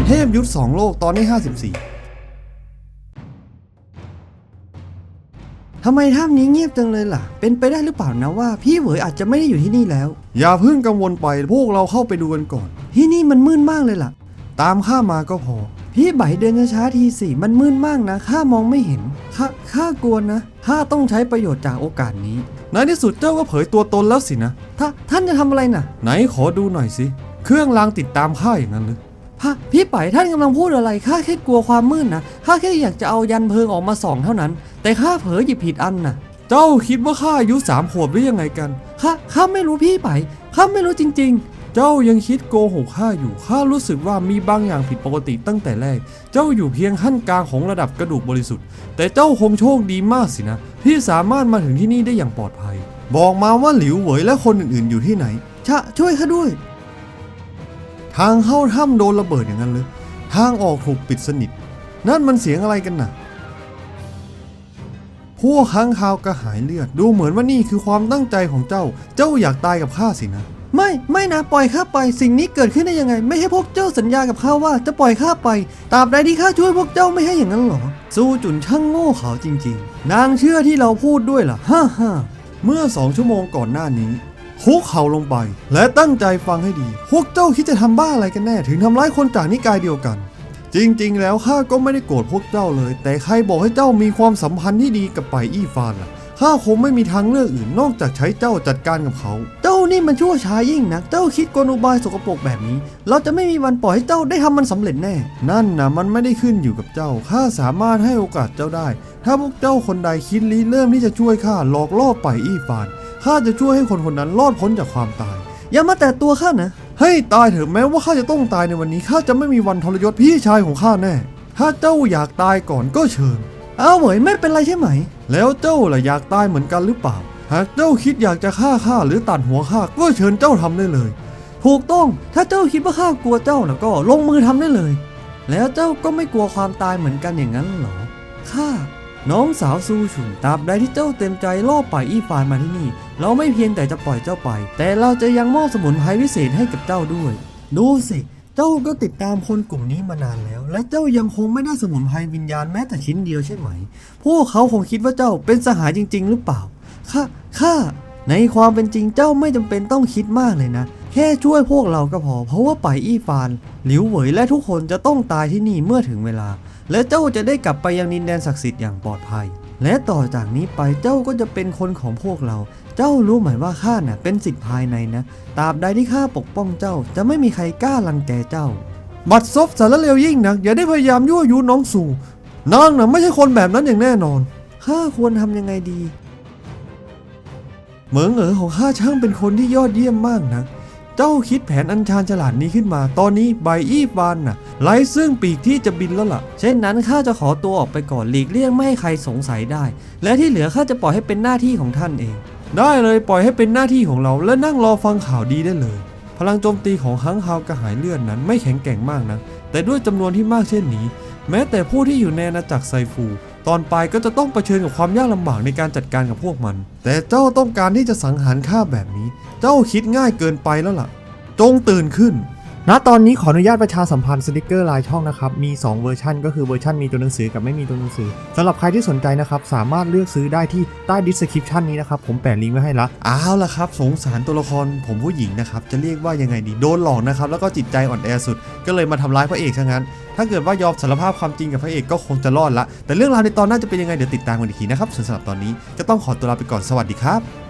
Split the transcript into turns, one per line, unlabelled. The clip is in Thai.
เทพยุทธ2โลกตอนที่54ทำไมถ้ำนี้เงียบจังเลยล่ะเป็นไปได้หรือเปล่านะว่าพี่เหวยอาจจะไม่ได้อยู่ที่นี่แล้วอย่าเพิ่งกังวลไปพวกเราเข้าไปดูกันก่อนที่นี่มันมืดมากเลยล่ะตามข้ามาก็พอพี่ใบเดินช้าๆทีสิมันมืดมากนะข้ามองไม่เห็นข้ากลัวนะข้าต้องใช้ประโยชน์จากโอกาสนี้ในที่สุดเจ้าก็เผยตัวตนแล้วสินะท่านจะทำอะไรน่ะไหนขอดูหน่อยสิเครื่องรางติดตามข้าอย่างนั้นหรือพี่ไปท่านกำลังพูดอะไรข้าแค่กลัวความมืดนะข้าแค่อยากจะเอายันเพลิงออกมาส่องเท่านั้นแต่ข้าเผลอหยิบผิดอันน่ะเจ้าคิดว่าข้าอายุ3 ขวบหรือยังไงกันข้าไม่รู้พี่ไปข้าไม่รู้จริงๆเจ้ายังคิดโกหกข้าอยู่ข้ารู้สึกว่ามีบางอย่างผิดปกติตั้งแต่แรกเจ้าอยู่เพียงขั้นกลางของระดับกระดูกบริสุทธิ์แต่เจ้าคงโชคดีมากสินะที่สามารถมาถึงที่นี่ได้อย่างปลอดภัยบอกมาว่าหลิวเหวยและคนอื่นๆอยู่ที่ไหนช่วยข้าด้วยทางเข้าถ้ำโดนระเบิดอย่างนั้นเลยทางออกถูกปิดสนิทนั่นมันเสียงอะไรกันน่ะพวกค้างคาวกระหายเลือดดูเหมือนว่านี่คือความตั้งใจของเจ้าอยากตายกับข้าสินะไม่นะปล่อยข้าไปสิ่งนี้เกิดขึ้นได้ยังไงไม่ให้พวกเจ้าสัญญากับข้าว่าจะปล่อยข้าไปตราบใดที่ข้าช่วยพวกเจ้าไม่ให้อย่างนั้นหรอซูจุนช่างโง่เขลาจริงๆนางเชื่อที่เราพูดด้วยล่ะฮ่าเมื่อ2 ชั่วโมงก่อนหน้านี้คุกเข่าลงไปและตั้งใจฟังให้ดีพวกเจ้าคิดจะทำบ้าอะไรกันแน่ถึงทำร้ายคนจากนิกายเดียวกันจริงๆแล้วข้าก็ไม่ได้โกรธพวกเจ้าเลยแต่ใครบอกให้เจ้ามีความสัมพันธ์ที่ดีกับไปอี้ฟานล่ะข้าคงไม่มีทางเลือกอื่นนอกจากใช้เจ้าจัดการกับเขาเจ้านี่มันชั่วช้ายิ่งนักเจ้าคิดกลอุบายสกปรกแบบนี้เราจะไม่มีวันปล่อยให้เจ้าได้ทำมันสำเร็จแน่นั่นนะมันไม่ได้ขึ้นอยู่กับเจ้าข้าสามารถให้โอกาสเจ้าได้ถ้าพวกเจ้าคนใดคิดริเริ่มที่จะช่วยข้าหลอกล่อไปอี้ฟานข้าจะช่วยให้คนนั้นรอดพ้นจากความตายอย่ามาแตะตัวข้านะให้ตายเถอะแม้ว่าข้าจะต้องตายในวันนี้ข้าจะไม่มีวันทรยศพี่ชายของข้าแน่ถ้าเจ้าอยากตายก่อนก็เชิญเหวยไม่เป็นไรใช่ไหมแล้วเจ้าล่ะอยากตายเหมือนกันหรือเปล่าหากเจ้าคิดอยากจะฆ่าข้าหรือตัดหัวข้าก็เชิญเจ้าทำได้เลยถูกต้องถ้าเจ้าคิดว่าข้ากลัวเจ้านะก็ลงมือทำได้เลยแล้วเจ้าก็ไม่กลัวความตายเหมือนกันอย่างนั้นหรอข้าน้องสาวซูฉุนตราบใดที่เจ้าเต็มใจล่อไปอี้ฟานมาที่นี่เราไม่เพียงแต่จะปล่อยเจ้าไปแต่เราจะยังมอบสมุนไพรวิเศษให้กับเจ้าด้วยดูสิเจ้าก็ติดตามคนกลุ่มนี้มานานแล้วและเจ้ายังคงไม่ได้สมุนไพรวิญญาณแม้แต่ชิ้นเดียวใช่ไหมพวกเขาคงคิดว่าเจ้าเป็นสหายจริงๆหรือเปล่าข้าในความเป็นจริงเจ้าไม่จำเป็นต้องคิดมากเลยนะแค่ช่วยพวกเราก็พอเพราะว่าไปอี้ฟานหลิวเหวยและทุกคนจะต้องตายที่นี่เมื่อถึงเวลาและเจ้าจะได้กลับไปยังดินแดนศักดิ์สิทธิ์อย่างปลอดภัยและต่อจากนี้ไปเจ้าก็จะเป็นคนของพวกเราเจ้ารู้ไหมว่าข้าน่ะเป็นสิทธิ์ภายในนะตราบใดที่ข้าปกป้องเจ้าจะไม่มีใครกล้ารังแกเจ้าบัดซบสารเลวยิ่งนักอย่าได้พยายามยั่วยุน้องสู่นางน่ะไม่ใช่คนแบบนั้นอย่างแน่นอนข้าควรทำยังไงดีเหมิงของข้าช่างเป็นคนที่ยอดเยี่ยมมากนะเจ้าคิดแผนอันชาญฉลาดนี้ขึ้นมาตอนนี้ใบอี้ฟานน่ะไร้ซึ่งปีกที่จะบินแล้วล่ะเช่นนั้นข้าจะขอตัวออกไปก่อนหลีกเลี่ยงไม่ให้ใครสงสัยได้และที่เหลือข้าจะปล่อยให้เป็นหน้าที่ของท่านเองได้เลยปล่อยให้เป็นหน้าที่ของเราและนั่งรอฟังข่าวดีได้เลยพลังโจมตีของค้างคาวกระหายเลือดนั้นไม่แข็งแกร่งมากนะแต่ด้วยจำนวนที่มากเช่นนี้แม้แต่ผู้ที่อยู่ในอาณาจักรไซฟูตอนปลายก็จะต้องเผชิญกับความยากลำบากในการจัดการกับพวกมันแต่เจ้าต้องการที่จะสังหารข้าแบบนี้เจ้าคิดง่ายเกินไปแล้วล่ะจงตื่นขึ้นณตอนนี้ขออนุญาตประชาสัมพันธ์สติกเกอร์ลายช่องนะครับมี2เวอร์ชันก็คือเวอร์ชันมีตัวหนังสือกับไม่มีตัวหนังสือสำหรับใครที่สนใจนะครับสามารถเลือกซื้อได้ที่ใต้ description นี้นะครับผมแปะลิงก์ไว้ให้ละเอาล่ะครับสงสารตัวละครผมผู้หญิงนะครับจะเรียกว่ายังไงดีโดนหลอกนะครับแล้วก็จิตใจอ่อนแอสุดก็เลยมาทำร้ายพระเอกซะงั้นถ้าเกิดว่ายอมสารภาพความจริงกับพระเอกก็คงจะรอดละแต่เรื่องราวในตอนหน้าจะเป็นยังไงเดี๋ยวติดตามกันอีกทีนะครับส่วนสำหรับตอนนี้จะต้องขอตัวลาไปก่อนสวัสดีครับ